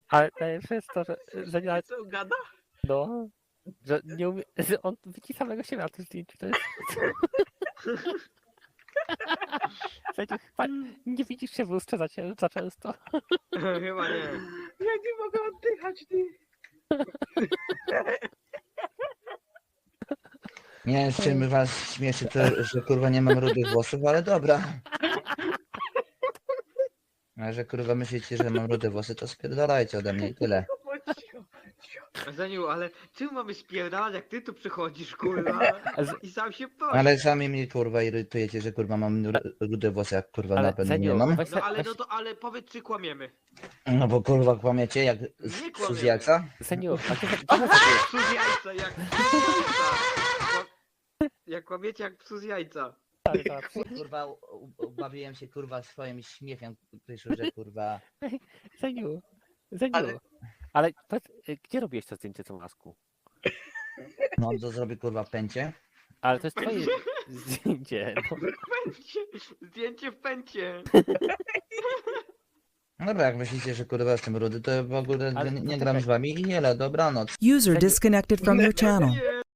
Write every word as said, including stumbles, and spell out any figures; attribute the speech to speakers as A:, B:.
A: Ale najlepsze jest to, że, że nie,
B: Co gada?
A: no, że nie umie, że on widzi samego siebie na tym zdjęciu, to jest... Słuchajcie, chyba nie widzisz się w lustrze za, cie- za często.
B: Chyba nie.
C: Ja nie mogę oddychać, ty.
D: Nie wiem, z czym was śmieszy to, że kurwa nie mam rudych włosów, ale dobra. A że kurwa myślicie, że mam rude włosy, to spierdalajcie ode mnie i tyle.
C: Bądź cicho, cicho.
B: Zaniu, ale czym mamy spierdalać, jak ty tu przychodzisz, kurwa?
A: Z-
B: I sam się prosisz.
D: Ale sami mnie kurwa irytujecie, że kurwa mam ru- rude włosy, jak kurwa
A: Ale
D: na pewno nie
A: Zeniu,
D: mam.
A: weź,
B: No
A: se-
B: ale
A: weź,
B: no to, ale powiedz, czy kłamiemy.
D: No bo kurwa kłamiecie jak
B: Nie
D: z
B: kłamiemy.
D: z jajca.
A: Zeniu, a ty, ty zrobiłeś?
B: Psu z jajca, jak psu z jajca. Kła- Jak kłamiecie, jak psu z jajca.
A: Tak, tak.
D: Kurwa u- u- bawiłem się kurwa swoim śmiechem, Krzysiu, że kurwa.
A: Zeniu, Zeniu. Ale,
C: Ale-
A: powiedz, y, gdzie robiłeś to zdjęcie tą lasku?
D: No to zrobię kurwa pęcie.
A: Ale to jest twoje zdjęcie. No.
B: Pęcie, zdjęcie w pęcie.
D: No dobra, jak myślicie, że kurwa jestem rudy, to w ogóle
A: Ale
D: nie, nie
A: to
D: gram
A: czekaj.
D: z wami i nie, dobranoc.
E: User disconnected from your channel.
B: Nie.